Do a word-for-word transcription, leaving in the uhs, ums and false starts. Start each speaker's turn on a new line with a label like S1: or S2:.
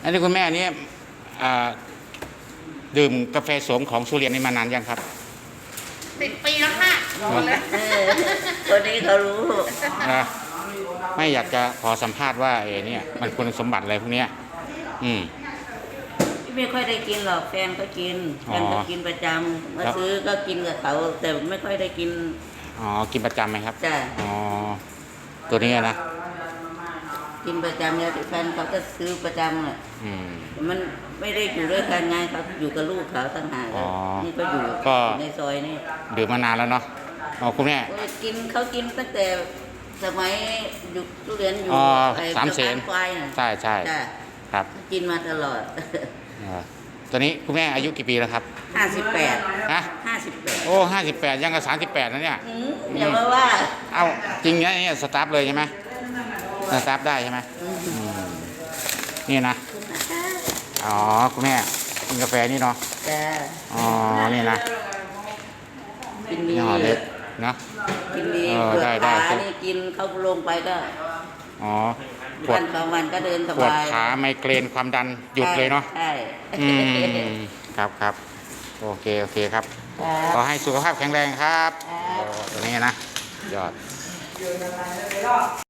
S1: อันนี้คุณแม่นี่ดื่มกาแฟโสมของสุเรียนนี่มานานยังครับ
S2: สิบปีแล้วค่ะ
S3: คนนี้เขารู้
S1: นะไม่อยากจะขอสัมภาษณ์ว่าเอเนี่ยมันคุณสมบัติอะไรพวกนี้อืม
S3: ไม่ค่อยได้กินหรอกแฟนก็กินแฟนก็กินประจำมาซื้อก็กินกับเขาแต่ไม่ค่อยได้กิน
S1: อ๋อกินประจำไหมครับ
S3: จ้ะ
S1: อ๋อตัวนี้นะ
S3: กินประจำเนี่ยแฟนเขาก็ซื้อประจำเลยมันไม่ได้อยู่ด้วยกันไงเขาอยู่กับลูกเขาต่างหากนี่ก็อยู่ในซอยนี่
S1: ดื่มมานานแล้วเนาะอ๋อคุณแม่
S3: กินเขากินตั้งแต่สมัยอยู่ทุเรียนอยู่
S1: สามเสนใช่ใช่ครับ
S3: กินมาตลอด
S1: ตอนนี้คุณแม่อายุกี่ปีแล้วครับ
S3: ห้าสิบแปด
S1: ฮะ
S3: ห้าสิบแปด
S1: โอ้ห้าสิบแปดยังกับสามสิบแปดนะเนี่ย
S3: อย่ามาว่า
S1: เอ้าจริงเนี่ยสตาร์ทเลยใช่ไหมสตาร์ทได้ใช่ไหมนี่นะอ๋อคุณแม่กินกาแฟนี่เนาะอ๋อนี่นะ
S3: กินดี
S1: เล็กนะ
S3: กินดีได้ได้นี่กินเขาลงไปก็
S1: อ๋อ
S3: ปวดสองวันก็เดินสบาย
S1: ปวดขาไมเกรนความดันหยุดเลยเนาะ
S3: ใช่
S1: ครับครับโอเคโอเคครับขอให้สุขภาพแข็งแรงครับตัวนี้นะยอด